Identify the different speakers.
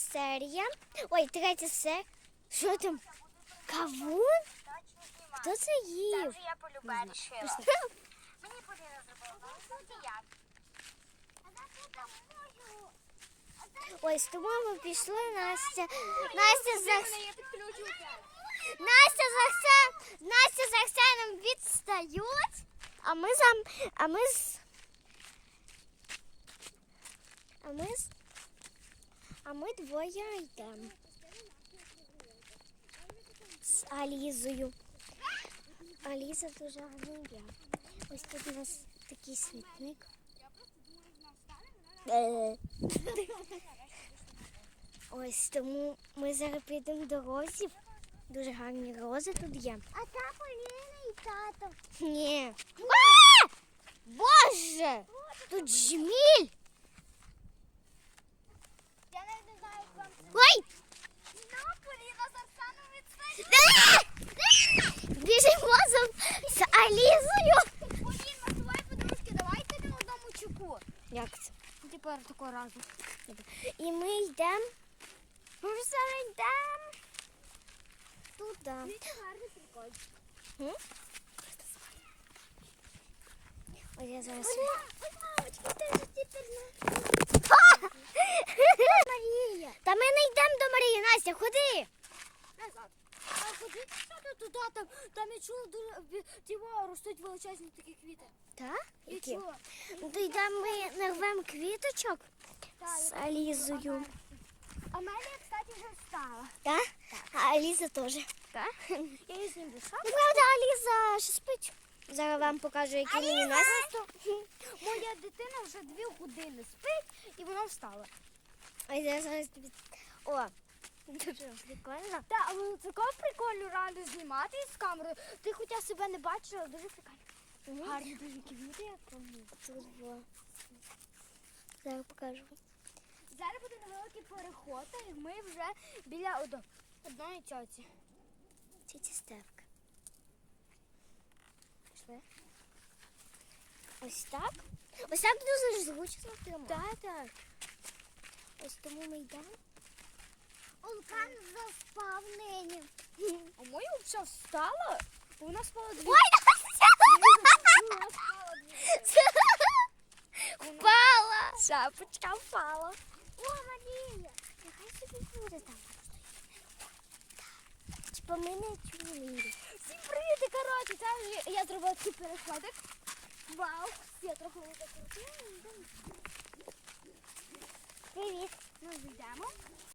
Speaker 1: серія. Ой, третя серія. Що там? Кавун? Хто це
Speaker 2: Це
Speaker 1: їв?
Speaker 2: вже я полюбе рішила. Мені Поліна зробила. Ну, як?
Speaker 1: Ой, з тобою ми пішли, Настя. Настя з Арсеном відстають, а ми двоє йдемо з Алізою. Аліза дуже гарна. Ось тут у нас такий світник. Ось тому ми зараз підемо до розів. Дуже гарні рози тут є.
Speaker 2: А та Поліна і тато.
Speaker 1: Ні. А! Боже! Тут жміль!
Speaker 2: Я навіть не знаю, як вам це.
Speaker 1: Ой!
Speaker 2: Ну, Поліна з Арсеном відстає.
Speaker 1: Біжимо з Алізою.
Speaker 2: Поліна, давай подружки, давайте на одному чуку.
Speaker 1: Як це?
Speaker 2: Тепер такого разу.
Speaker 1: І ми йдемо. Ми зараз йдемо туди.
Speaker 2: Гарний прикол.
Speaker 1: Ось я зараз.
Speaker 2: Ой, мамочка, ти ж тепер
Speaker 1: Марія. Та ми не йдемо до Марії. Настя, ходи.
Speaker 2: назад. А ходіть що туди, там я чула дуже тіло ростуть величезні такі квіти.
Speaker 1: Так?
Speaker 2: Я
Speaker 1: Які?
Speaker 2: чула.
Speaker 1: Ну, то йдемо ми нарвемо квіточок з Алізою.
Speaker 2: А в мене, кстати, вже встала.
Speaker 1: Так? А Аліза теж.
Speaker 2: Так? Я її зніму.
Speaker 1: Ну, правда, Аліза ще спить. Зараз вам покажу, які мені Настя.
Speaker 2: Моя дитина вже 2 години спить і вона встала.
Speaker 1: Ось я зараз тобі. О, дуже прикольно.
Speaker 2: Так, але такого прикольно реально знімати з камерою. Ти хоча себе не бачиш, але дуже прикольно. Гарні дуже квіти, як вони.
Speaker 1: Тут було. Зараз покажу.
Speaker 2: Зараз буде невеликий переход, і ми вже біля одної тьоті.
Speaker 1: Тіті Стевка.
Speaker 2: Пішли?
Speaker 1: Ось так. Ось так дуже зручно тримати.
Speaker 2: Так.
Speaker 1: Ось тому ми йдемо.
Speaker 2: Олкан заспав нині. А моя взагалі встала? Вона спала 2
Speaker 1: Ой,
Speaker 2: Вона спала 2
Speaker 1: впала! Шапочка впала.
Speaker 2: О, Марія!
Speaker 1: Нехай собі буде там. Типа ми не чули.
Speaker 2: Всім привіт! І, коротше, це я зробила такий переходик. Вау! Я трохи закрутила.
Speaker 1: Привіт.
Speaker 2: Ну, йдемо.